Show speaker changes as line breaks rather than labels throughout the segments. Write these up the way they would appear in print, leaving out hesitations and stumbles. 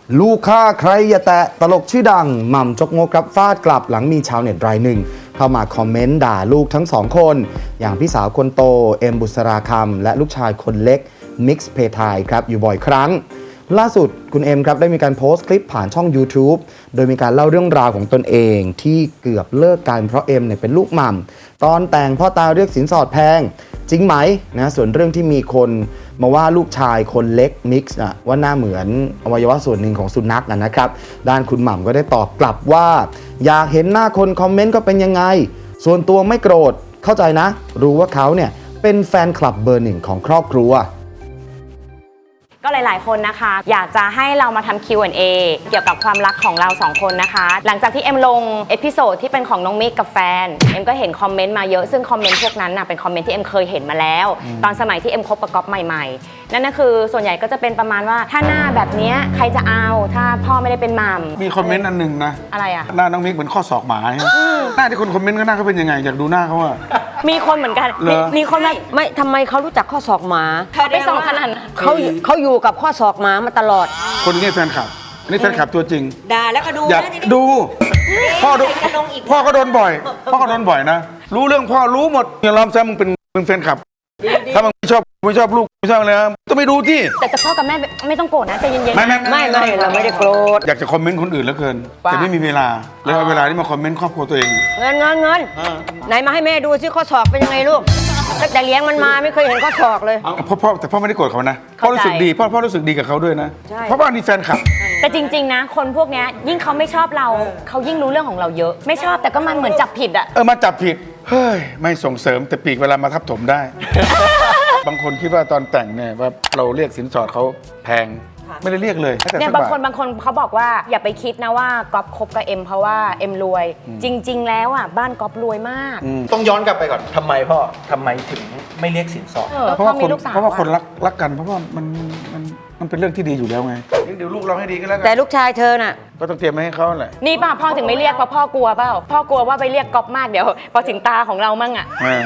ลูกฆ่าใครอย่าแตะตลกชื่อดังหม่ำจกมกครับฟาดกลับหลังมีชาวเน็ตรายหนึ่งเข้ามาคอมเมนต์ด่าลูกทั้งสองคนอย่างพี่สาวคนโตเอ็มบุษราคำและลูกชายคนเล็กมิกซ์เพทายครับอยู่บ่อยครั้งล่าสุดคุณเอ็มครับได้มีการโพสต์คลิปผ่านช่อง YouTube โดยมีการเล่าเรื่องราวของตนเองที่เกือบเลิกกันเพราะเอ็มเนี่ยเป็นลูกหม่ำตอนแต่งพ่อตาเรียกสินสอดแพงจริงไหมนะส่วนเรื่องที่มีคนมาว่าลูกชายคนเล็กมิกซ์ว่าหน้าเหมือนอวัยวะส่วนหนึ่งของสุนัขนะครับด้านคุณหม่ำก็ได้ตอบกลับว่าอยากเห็นหน้าคนคอมเมนต์ก็เป็นยังไงส่วนตัวไม่โกรธเข้าใจนะรู้ว่าเขาเนี่ยเป็นแฟนคลับเบอร์หนึ่งของครอบครัว
ก็หลายๆคนนะคะอยากจะให้เรามาทำ Q&A เกี่ยวกับความรักของเรา2คนนะคะหลังจากที่เอ็มลงเอพิโซดที่เป็นของน้องมิกกับแฟนเอ็มก็เห็นคอมเมนต์มาเยอะซึ่งคอมเมนต์พวกนั้นเป็นคอมเมนต์ที่เอ็มเคยเห็นมาแล้วตอนสมัยที่เอ็มคบกับก๊อฟใหม่ๆนั่นก็คือส่วนใหญ่ก็จะเป็นประมาณว่าถ้าหน้าแบบนี้ใครจะเอาถ้าพ่อไม่ได้เป็นมัม
มีคอมเมนต์อันหนึ่งนะ
อะไรอะ
หน้าน้องมิกเหมือนข้อศอกหมาหน้าที่คนคอมเมนต์ก็หน้าเขาเป็นยังไงอยากดูหน้าเขาอะ
มีคนเหมือนกันมีคน
ไม่ทำไมเขารู้จักข้อศอกหมา
เขาไปส่องขนาด
เขาอยู่กับข้อศอกหมามาตลอด
คนนี้แฟนคลับอันนี้แฟนคลับตัวจริง
ด่าแล้วก็ดู
อยากดูพ่อก็โดนบ่อยพ่อก็โดนบ่อยนะรู้เรื่องพ่อรู้หมดอย่าล้อมแซมมึงเป็นแฟนคลับถ้ามึงไม่ชอบลูกไม่ชอบอะไรนะต้องไปดูที่
แต่พ่อกับแม่ไม่ต้องโกรธนะใจเย็นๆ
ไม่เราไม่ได้โกรธ
อยากจะคอมเมนต์คนอื่นเหลือเกินแต่ไม่มีเวลาเลยเอาเวลาที่มาคอมเมนต์ครอบครัวตัวเอง
เงินไหนมาให้แม่ดูซิข้อศอกเป็นยังไงลูกตั้งแต่เลี้ยงมันมาไม่เคยเห็นข้อศอกเลย
แต่พ่อไม่ได้โกรธเขานะพ่อรู้สึกดีพ่อรู้สึกดีกับเขาด้วยนะเพราะว่านี่แฟนคลับ
แต่จริงๆนะคนพวกนี้ยิ่งเขาไม่ชอบเราเขายิ่งรู้เรื่องของเราเยอะไม่ชอบแต่ก็มันเหมือนจับผิดอะ
มาจับผิดเฮ้ยไม่ส่งเสริมแต่ปีกเวลามาทับถมได้ บางคนคิดว่าตอนแต่งเนี่ยว่าเราเรียกสินสอดเขาแพงไม่ได้เรียกเลย
เนี่ยบางคนเขาบอกว่าอย่าไปคิดนะว่าก๊อฟคบกับเอ็มเพราะว่าเอ็มรวยจริงๆแล้วบ้านก๊อฟรวยมาก
ต้องย้อนกลับไปก่อนทำไมพ่อทำไมถึงไม่เรียกสินสอด
เพราะว่าคนรักกันเพราะว่ามันเป็นเรื่องที่ดีอยู่แล้วไงเดี๋ยวลูกเราให้ดีก็แล้วกัน
แต่ลูกชายเธอน่ะ
ก็ต้องเตรียมให้เขาแหละ
นี่ป่ะพ่อถึงไม่เรียกเพราะพ่อกลัวเปล่าพ่อกลัวว่าไปเรียกก๊อฟมากเดี๋ยวพอถึงตาของเรามั่ง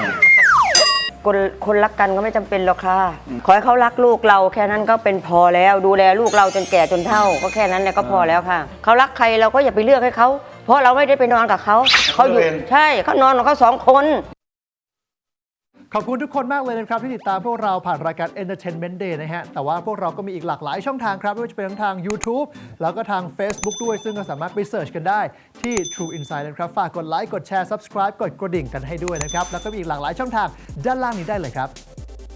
คนรักกันก็ไม่จำเป็นหรอกค่ะขอให้เขารักลูกเราแค่นั้นก็เป็นพอแล้วดูแลลูกเราจนแก่จนเฒ่าก็แค่นั้นแหละก็พอแล้วค่ะเขารักใครเราก็อย่าไปเลือกให้เขาเพราะเราไม่ได้ไปนอนกับเขาอยู่ใช่เขานอนกับเขา2 คน
ขอบคุณทุกคนมากเลยนะครับที่ติดตามพวกเราผ่านรายการ Entertainment Day นะฮะแต่ว่าพวกเราก็มีอีกหลากหลายช่องทางครับไม่ว่าจะเป็นทั้งทาง YouTube แล้วก็ทาง Facebook ด้วยซึ่งก็สามารถไปเสิร์ชกันได้ที่ True Insight นะครับฝากกดไลค์กดแชร์ Subscribe กดกระดิ่งกันให้ด้วยนะครับแล้วก็มีอีกหลากหลายช่องทางด้านล่างนี้ได้เลยครับ